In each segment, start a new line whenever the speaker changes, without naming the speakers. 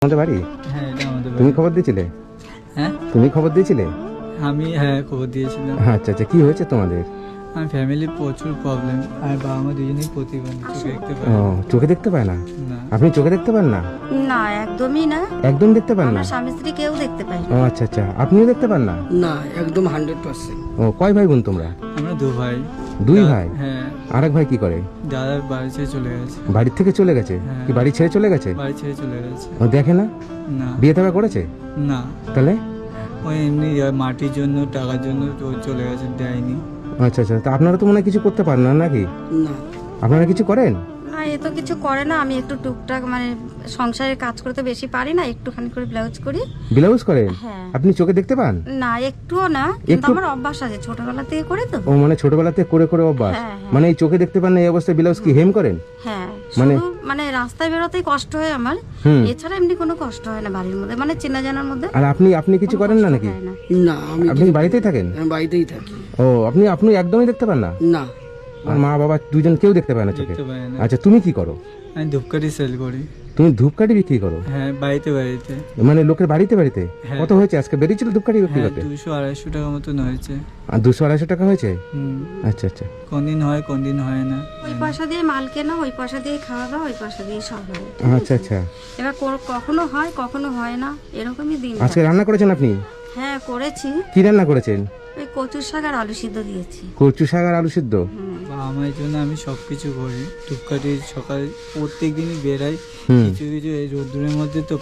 আমাদের বাড়ি?
হ্যাঁ, এটা আমাদের
তুমি
বাড়ি।
খবর দিয়েছিলে?
হ্যাঁ,
তুমি খবর দিয়েছিলে?
হ্যাঁ খবর দিয়েছিলাম।
আচ্ছা আচ্ছা, কি হয়েছে তোমাদের?
আমার ফ্যামিলির প্রচুর প্রবলেম, আর বাবা মা দুজনেই প্রতিবন্ধী, চোখে দেখতে পায়
ও,
না।
চোখে দেখতে পায় না?
না,
আপনি চোখে দেখতে পান না?
না, একদমই না।
একদম দেখতে পান না?
আমার স্বামী স্ত্রী কেউ দেখতে পায়
ও
না।
আচ্ছা আচ্ছা, আপনিও দেখতে পান না?
না, একদম 100%।
ও, কয় ভাই বোন তোমরা?
আমরা দু ভাই।
দুই ভাই?
হ্যাঁ,
আরেক ভাই কি করে?
দাদার বাড়ি ছেড়ে চলে গেছে।
বাড়ির থেকে চলে গেছে?
হ্যাঁ।
কি বাড়ি ছেড়ে চলে গেছে?
বাড়ি ছেড়ে চলে গেছে।
ও দেখে না?
না,
বিয়ে থাকা করেছে?
না,
তাহলে?
ওই এমনি মাটির জন্য, টাকার জন্য তো চলে গেছে, দেয়নি।
আচ্ছা আচ্ছা, তা আপনারা তো মনে হয় কিছু করতে পারেন না নাকি?
না,
আপনারা কিছু করেন?
না, এ তো কিছু করে না। আমি একটু টুকটাক মানে সংসারের কাজ করতে বেশি পারি না, একটুখানি করে ব্লাউজ করি।
ব্লাউজ করেন?
হ্যাঁ।
আপনি চোখে দেখতে পান?
না, একটুও না, কিন্তু
একটু?
আমার অভ্যাস আছে, ছোটবেলা থেকে করি তো।
ও মানে ছোটবেলাতে করে করে অভ্যাস?
হ্যাঁ, হ্যাঁ।
মানে এই চোখে দেখতে পান না এই অবস্থায় ব্লাউজ কি হেম করেন?
হ্যাঁ,
মানে-
শুধু মানে রাস্তায় বেরোতেই কষ্ট হয় আমার।
হুম।
এছাড়া এমনি কোনো কষ্ট হয় না বাড়ির মধ্যে, মানে চেনা জানার মধ্যে।
আর আপনি আপনি কিছু করেন না নাকি?
হয় না।
না,
আপনি কি বাড়িতেই থাকেন?
আমি বাড়িতেই থাকি।
ও, আপনি আপনি একদমই দেখতে পান না?
না,
আর মা বাবা দুজন কেউ দেখতে পায় না চোখে?
দেখতে পায় না।
আচ্ছা, তুমি কি করো?
আমি ধূপকাঠি সেল করি।
তুমি ধূপকাঠি বিক্রি করো?
হ্যাঁ, বাড়িতে বাড়িতে।
মানে লোকের বাড়িতে বাড়িতে?
হ্যাঁ।
কত হয়েছে আজকে বেরিয়েছিল ধূপকাঠি বিক্রি
হ্যাঁ,
করতে?
200-250 টাকা মতন হয়েছে।
আর 200-250 টাকা হয়েছে?
হুম,
আচ্ছা আচ্ছা
কোনদিন হয় কোনদিন হয় না।
ওই পয়সা দিয়ে মাল কেনা, ওই পয়সা দিয়ে খাওয়া দাওয়া, ওই পয়সা দিয়ে সব হয়।
আচ্ছা আচ্ছা।
এবার কখনো হয় কখনো হয় না, এরকমই দিন
আজকে
যায়।
রান্না করেছেন আপনি?
হ্যাঁ, করেছি।
কি রান্না করেছেন?
ওই কচুর শাক আর আলু সিদ্ধ দিয়েছি।
কচু শাক আর আলু সিদ্ধ?
বাবা মায়ের জন্য আমি সবকিছু করি। ধূপকাঠি সকালে প্রত্যেক দিনই বেরাই।
হুম।
কিছু কিছু এই রোদ্দুরের মধ্যে তো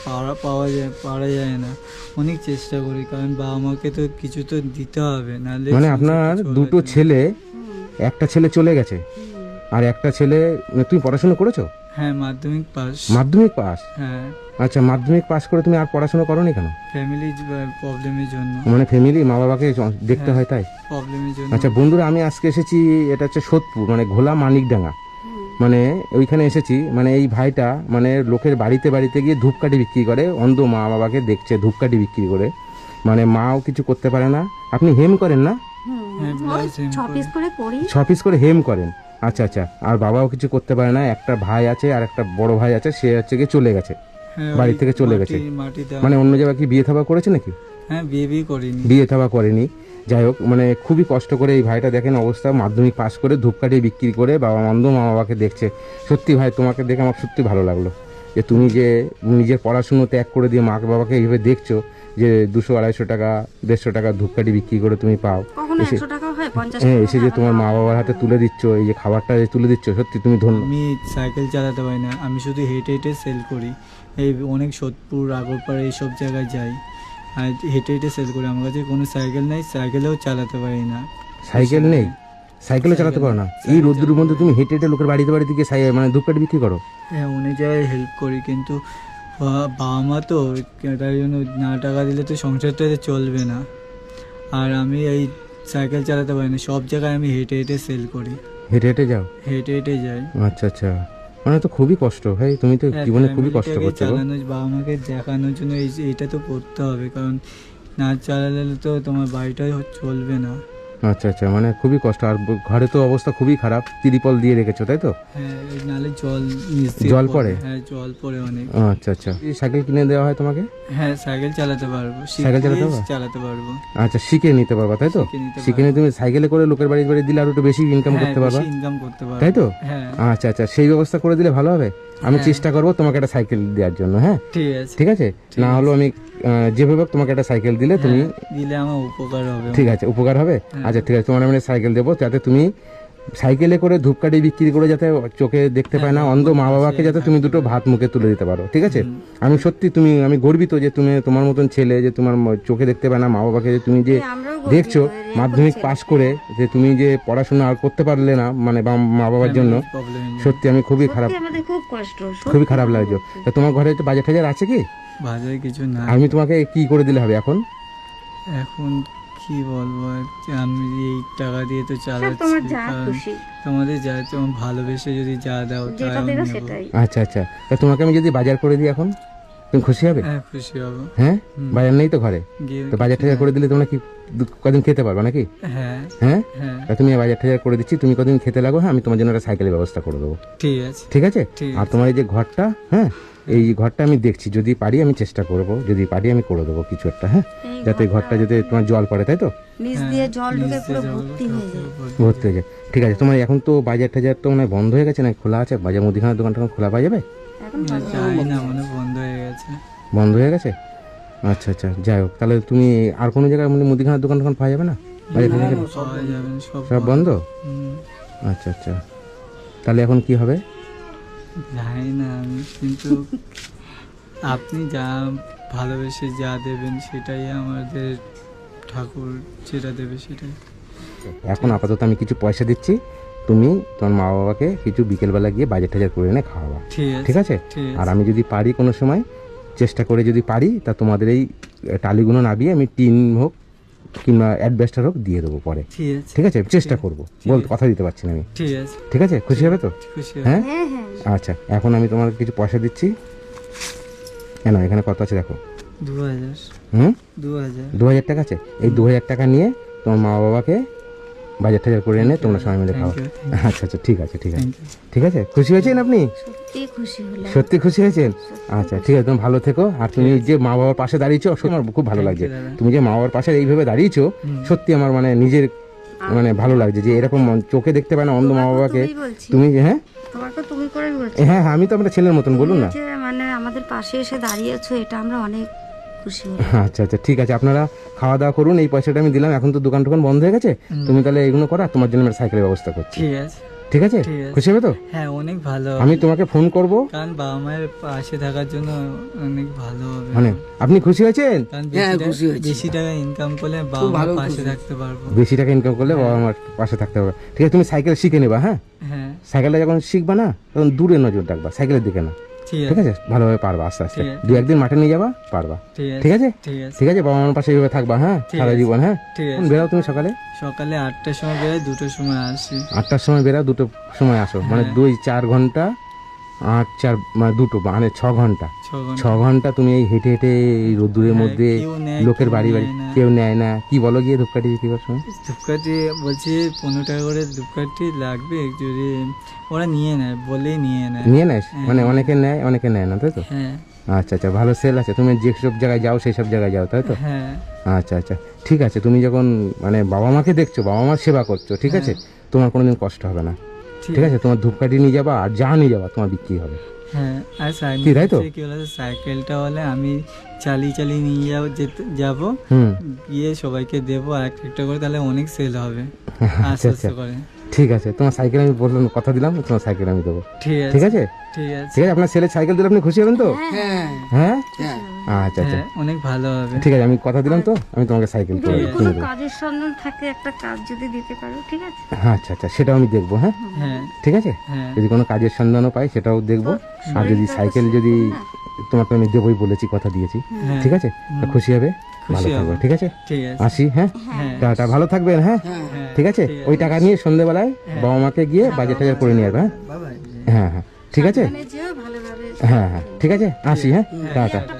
পারা যায় না। অনেক চেষ্টা করি, কারণ বাবা মাকে তো কিছু তো দিতে হবে, নাহলে
মানে
সংসারটা
আপনার
চলবে
দুটো
না।
ছেলে, একটা ছেলে চলে গেছে আর একটা ছেলে, তুমি পড়াশোনা করেছো?
হ্যাঁ, মাধ্যমিক পাস।
মাধ্যমিক পাস?
হ্যাঁ,
আচ্ছা, মাধ্যমিক পাস করে তুমি আর পড়াশোনা করোনি কেন?
ফ্যামিলি প্রবলেমের জন্য।
মানে ফ্যামিলি মা বাবাকে দেখতে হয় তাই?
প্রবলেমের জন্য।
আচ্ছা বন্ধুরা, আমি আজকে এসেছি, এটা হচ্ছে সোদপুর, মানে ঘোলা মানিকডাঙ্গা, মানে ওইখানে এসেছি। মানে এই ভাইটা মানে লোকের বাড়িতে বাড়িতে গিয়ে ধূপকাঠি বিক্রি করে, অন্ধ মা বাবাকে দেখছে ধূপকাঠি বিক্রি করে, মানে মাও কিছু করতে পারে না। আপনি হেম করেন না?
হ্যাঁ,
ওই
ব্লাউজ হেম
6 পিস করে করি।
6 পিস করে হেম করেন? আচ্ছা আচ্ছা। আর বাবাও কিছু করতে পারে না, একটা ভাই আছে আর একটা বড় ভাই আছে, সে হচ্ছে গিয়ে চলে গেছে,
হ্যাঁ,
বাড়ি
ওই
থেকে চলে গেছে।
মাটি দেওয়া।
মানে অন্য জায়গায় কি বিয়ে থাবা করেছে নাকি?
হ্যাঁ, বিয়ে করিনি।
বিয়ে থাবা করেনি। যাই হোক, মানে খুবই কষ্ট করে এই ভাইটা দেখেন অবস্থা, মাধ্যমিক পাস করে ধূপকাঠি বিক্রি করে বাবা অন্ধ মা বাবাকে দেখছে। সত্যি ভাই, তোমাকে দেখে আমার সত্যি ভালো লাগলো যে তুমি যে নিজের পড়াশুনো ত্যাগ করে দিয়ে মা বাবাকে এইভাবে দেখছো, যে 200-250 টাকা 150 টাকা ধূপকাঠি বিক্রি করে তুমি পাও,
কখনো
এসে
100 টাকা হয়, 50
হ্যাঁ
টাকা
এসে যে তোমার মা বাবার হাতে তুলে দিচ্ছ, এই যে খাবারটা যে তুলে দিচ্ছ, সত্যি তুমি ধন্য।
আমি সাইকেল চালাতে পারি না, আমি শুধু হেঁটে হেঁটে সেল করি। এই অনেক সোদপুর, আগরপাড়া এইসব জায়গায় যাই, আর হেঁটে হেঁটে সেল করি। আমার কাছে কোনো সাইকেল নেই, সাইকেলেও চালাতে পারি না।
সাইকেল নেই? সাইকেলও চালাতে পারো না? এই রোদ্দুরের মধ্যে তুমি হেঁটে হেঁটে লোকের বাড়িতে বাড়িতে গিয়ে মানে ধূপকাঠি বিক্রি করো?
হ্যাঁ, অনেক জায়গায় হেল্প করি, কিন্তু বাবা মা তো তার জন্য না টাকা দিলে তো সংসারটা চলবে না। আর আমি এই সাইকেল চালাতে পারি না, সব জায়গায় আমি হেঁটে হেঁটে সেল করি,
হেঁটে হেঁটে যাও?
হেঁটে হেঁটে যাই।
আচ্ছা আচ্ছা, মানে তো খুবই কষ্ট ভাই, তুমি তো
হ্যাঁ,
জীবনে খুবই কষ্ট
ফ্যামিলিটাকে
করছো গো।
চালানোর, বাবা মাকে দেখানোর জন্য এইটা তো করতে হবে, কারণ না চালালে তো তোমার বাড়িটাই চলবে না।
আচ্ছা আচ্ছা, মানে খুবই কষ্ট। আর ঘরে তো অবস্থা খুবই খারাপ, তিরপল দিয়ে রেখেছো তাই তো?
হ্যাঁ, নালে জল নিচ দিয়ে
জল পড়ে?
হ্যাঁ, জল পড়ে অনেক।
আচ্ছা আচ্ছা, এই সাইকেল কিনে দেওয়া হয় তোমাকে?
হ্যাঁ, সাইকেল চালাতে পারবো,
সাইকেল চালাতে
শিখলেই
পারবা?
চালাতে পারবো।
আচ্ছা, শিখে নিতে পারবা তাই তো?
শিখে নিতে
শিখে নিয়ে তুমি সাইকেলে করে লোকের বাড়ি বাড়ি দিলে আরো একটু বেশি ইনকাম
হ্যাঁ,
করতে পারবা,
বেশি ইনকাম করতে পারবো,
তাই তো?
হ্যাঁ,
আচ্ছা আচ্ছা, সেই ব্যবস্থা করে দিলে ভালো হবে। আমি
হ্যাঁ।
চেষ্টা করবো তোমাকে একটা সাইকেল দেওয়ার জন্য। হ্যাঁ
ঠিক আছে।
ঠিক আছে, না হলেও আমি যেভাবে হোক তোমাকে একটা সাইকেল দিলে তুমি,
হ্যাঁ, দিলে আমার উপকার হবে।
ঠিক আছে, উপকার হবে।
হ্যাঁ।
আচ্ছা ঠিক আছে, তোমার আমি সাইকেল দেবো, যাতে তুমি সাইকেলে করে ধূপকাঠি বিক্রি করে যাতে চোখে দেখতে পায় না অন্ধ মা বাবাকে যাতে তুমি দুটো ভাত মুখে তুলে দিতে পারো, ঠিক আছে? আমি সত্যি আমি গর্বিত যে তুমি, তোমার মতন ছেলে যে তোমার চোখে দেখতে পায় না মা বাবাকে, যে তুমি যে
আমরাও গর্বিত,
দেখছো
এরকম
মাধ্যমিক
ছেলে।
পাশ করে যে তুমি যে পড়াশোনা আর করতে পারলে না, মানে মা বাবার জন্য,
প্রবলেম।
সত্যি আমি খুবই খারাপ,
সত্যি আমাদের খুব কষ্ট, সত্যি
খুবই খারাপ লাগছে।
খুব
তা তোমার ঘরে তো বাজার টাজার আছে কি?
বাজারে কিছু না।
আমি তোমাকে কি করে দিলে হবে এখন?
এখন কি বলবো, আমি এই টাকা দিয়ে তো
সব
চালাচ্ছি,
তোমার যা
কারণ
খুশি,
তোমাদের যা তোমার ভালোবেসে যদি যা দাও তাই
যেটা
আমি
দেবে
নেবো।
সেটাই।
আচ্ছা আচ্ছা, তা তোমাকে আমি যদি বাজার করে দিই এখন? তুমি খুশি হবে?
হ্যাঁ খুশি হবো।
হ্যাঁ, বাজার নেই তো ঘরে,
গিয়ে
তো বাজার টাজার করে দিলে তোমরা কি কদিন খেতে পারবে নাকি?
হ্যাঁ
হ্যাঁ,
হ্যাঁ
তা তুমি বাজার টাজার করে দিচ্ছি, তুমি কদিন খেতে লাগো, হ্যাঁ আমি তোমার জন্য একটা সাইকেলের ব্যবস্থা করে দেবো,
ঠিক আছে।
ঠিক আছে?
ঠিক
আর তোমার এই যে ঘরটা, হ্যাঁ এই ঘরটা আমি দেখছি, যদি পারি আমি চেষ্টা করব, যদি পারি আমি করে দেবো কিছু একটা, হ্যাঁ
এই
যাতে এই ঘরটা যাতে তোমার জল পড়ে, তাই তো?
নিচ দিয়ে জল ঢুকে পুরো ভর্তি হয়ে যায়।
ভর্তি হয়ে যায়। ঠিক আছে, তোমার এখন তো বাজার টাজার তো মানে বন্ধ হয়ে গেছে না খোলা আছে? বাজার মুদিখানার দোকানটা এখন খোলা পাওয়া যাবে?
এখন
যাই না, মানে বন্ধ হয়ে গেছে।
বন্ধ হয়ে গেছে? আচ্ছা আচ্ছা, যাই হোক, তাহলে তুমি আর কোনো জায়গায় মানে মুদিখানার দোকান টোকান পাওয়া যাবে না? বাজার টাজার
পাওয়া যাবে না, সব
সব বন্ধ?
হুম,
আচ্ছা আচ্ছা, তাহলে এখন কি হবে?
জানি না আমি, কিন্তু আপনি যা ভালোবেসে যা দেবেন সেটাই আমাদের ঠাকুর যেটা দেবে সেটাই।
এখন আপাতত আমি কিছু পয়সা দিচ্ছি, তুমি তোমার মা বাবাকে কিছু বিকেলবেলা গিয়ে বাজার টাজার করে এনে খাওয়াবা, ঠিক আছে?
ঠিক
আর
আছে।
আমি যদি পারি কোনো সময় চেষ্টা করে যদি পারি, তা তোমাদের এই টালিগুলো নাবিয়ে আমি টিন হোক কিংবা অ্যাডভেস্টার হোক দিয়ে দেবো পরে,
ঠিক আছে।
ঠিক আছে? চেষ্টা করবো, বল কথা দিতে পারছি না আমি,
ঠিক আছে।
ঠিক আছে? খুশি হবে তো?
খুশি হব।
হ্যাঁ,
হ্যাঁ হ্যাঁ
আচ্ছা, এখন আমি তোমার কিছু পয়সা দিচ্ছি, কেন এখানে কত আছে দেখো,
2000
হুম
2000
2000 টাকা আছে, এই 2000 টাকা নিয়ে তোমার মা বাবাকে বাজার টাজার করে এনে তোমরা সবাই মিলে খাও।
Thank you,
আচ্ছা আচ্ছা, ঠিক আছে ঠিক আছে,
থ্যাংক ইউ।
ঠিক আছে, খুশি হয়েছেন আপনি?
সত্যি খুশি হলাম।
সত্যি খুশি হয়েছেন? আচ্ছা ঠিক আছে, তুমি ভালো থেকো, আর তুমি যে মা বাবার পাশে দাঁড়িয়েছো সত্যি আমার খুব ভালো লাগছে,
দাদা।
তুমি যে মা বাবার পাশে এইভাবে দাঁড়িয়েছো সত্যি আমার মানে নিজের মানে ভালো লাগছে, যে এরকম চোখে দেখতে পায় না অন্ধ মা বাবাকে
তুমিই বলছি,
তুমি, হ্যাঁ
তোমাকে তুমি করে বলছি।
হ্যাঁ হ্যাঁ, আমি তো আপনার ছেলের মতন, বলুন না।
যে মানে আমাদের পাশে এসে দাঁড়িয়েছো, এটা আমরা অনেক খুশি হলাম।
আচ্ছা আচ্ছা, ঠিক আছে, আপনারা খাওয়া দাওয়া করুন, এই পয়সাটা আমি দিলাম, এখন তো দোকান টোকান বন্ধ হয়ে গেছে, তুমি তাহলে এগুলো করো, আর তোমার জন্য একটা সাইকেলের ব্যবস্থা করছি,
ঠিক আছে।
ঠিক আছে?
ঠিক আছে।
খুশি হবে তো?
হ্যাঁ অনেক ভালো
আমি
হবে।
তোমাকে ফোন করব,
কারণ বাবা মায়ের পাশে থাকার জন্য অনেক ভালো হবে।
মানে আপনি খুশি হয়েছেন?
কারণ
হ্যাঁ,
বেশি
খুশি হয়েছি।
বেশি টাকা ইনকাম করলে বাবা
খুব
মার
ভালো
পাশে
খুশি।
থাকতে পারবো।
বেশি টাকা ইনকাম করলে বাবা আমার পাশে থাকতে হবে, ঠিক আছে? তুমি সাইকেল শিখে নেবা, হ্যাঁ
হ্যাঁ
সাইকেলটা যখন শিখবা না তখন দূরে নজর রাখবা, সাইকেলের দিকে না,
ঠিক
ঠিক
আছে।
আছে? ভালোভাবে পারবা আস্তে আস্তে,
ঠিক আছে।
দু একদিন মাঠে নিয়ে যাবা, পারবা, ঠিক আছে?
ঠিক আছে।
ঠিক আছে, বাবা মার পাশে এইভাবে থাকবা, হ্যাঁ
ঠিক
সারা
আছে।
জীবন, হ্যাঁ?
ঠিক
এখন
আছে।
বেরাও তুমি সকালে
সকালে 8টার সময় বেরোয়, 2টোর সময় আসি।
8টার সময় বেরাও, 2টোর সময় আসো, মানে
হ্যাঁ।
2-4 ঘন্টা, 8-4 মানে 2টো মানে 6 ঘন্টা,
6 ঘন্টা।
6 ঘন্টা তুমি এই হেঁটে হেঁটে এই রোদ্দুরের
হ্যাঁ,
মধ্যে
কেউ নেয়,
লোকের
কেউ
বাড়ি বাড়ি
নেয় না।
কেউ নেয় না, কি বলো গিয়ে ধূপকাঠি বিক্রি করার সময়?
ধূপকাঠি বলছি 15 টাকা করে ধূপকাঠি লাগবে, যদি ওরা নিয়ে নেয়, বলেই নিয়ে নেয়।
নিয়ে নেয়,
হ্যাঁ।
মানে অনেকে নেয় অনেকে নেয় না, তাই তো?
হ্যাঁ
আচ্ছা আচ্ছা, ভালো সেল আছে, তুমি যেসব জায়গায় যাও সেই সব জায়গায় যাও, তাই তো?
হ্যাঁ
আচ্ছা আচ্ছা, ঠিক আছে, তুমি যখন মানে বাবা মাকে দেখছো, বাবা মার সেবা করছো, ঠিক আছে, তোমার কোনোদিন কষ্ট হবে না, ঠিক আছে? তোমার ধূপকাঠি নিয়ে যাবা আর যা নিয়ে যাবা তোমার বিক্রি হবে,
হ্যাঁ। আর
কি, তাই তো?
কি বলে, সাইকেলটা হলে আমি চালিয়ে চালিয়ে নিয়ে যাবো,
হুম
গিয়ে সবাইকে দেবো আর একটা করে, তাহলে অনেক সেল হবে
আচ্ছা
আস্তে
আচ্ছা,
আস্তে করে।
ঠিক আছে, তোমার সাইকেল আমি বললাম, কথা দিলাম তোমার সাইকেল আমি দেবো,
ঠিক
ঠিক
আছে
আছে?
ঠিক আছে।
ঠিক আছে, আপনার ছেলের সাইকেল দিলে আপনি খুশি হবেন তো?
হ্যাঁ
হ্যাঁ,
হ্যাঁ
আচ্ছা আচ্ছা,
হ্যাঁ অনেক ভালো হবে।
ঠিক আছে, আমি কথা দিলাম তো, আমি তোমাকে সাইকেল করে
যদি
কিনে
কোনো
দেবো,
কাজের সন্ধান থাকে, একটা কাজ যদি দিতে পারো, ঠিক আছে?
আচ্ছা আচ্ছা, সেটাও আমি দেখবো, হ্যাঁ
হ্যাঁ
ঠিক আছে,
হ্যাঁ
যদি কোনো কাজের সন্ধানও পাই সেটাও দেখবো, আর যদি সাইকেল যদি তোমাকে আমি দেবোই বলেছি, কথা দিয়েছি,
হ্যাঁ।
ঠিক আছে? তা খুশি হবে, ভালো
খুশি
থাকবে,
হব।
ঠিক আছে?
ঠিক আছে।
আসি, হ্যাঁ
হ্যাঁ
টাটা, ভালো থাকবেন, হ্যাঁ
হ্যাঁ
ঠিক আছে? ওই টাকা নিয়ে সন্ধ্যেবেলায় বাবা মাকে গিয়ে বাজার টাজার করে নিয়ে আসবে, হ্যাঁ
বাবাই।
হ্যাঁ হ্যাঁ, ঠিক আছে,
মানে যেও ভালোভাবে।
হ্যাঁ হ্যাঁ, ঠিক আছে, আসি, হ্যাঁ টাটা।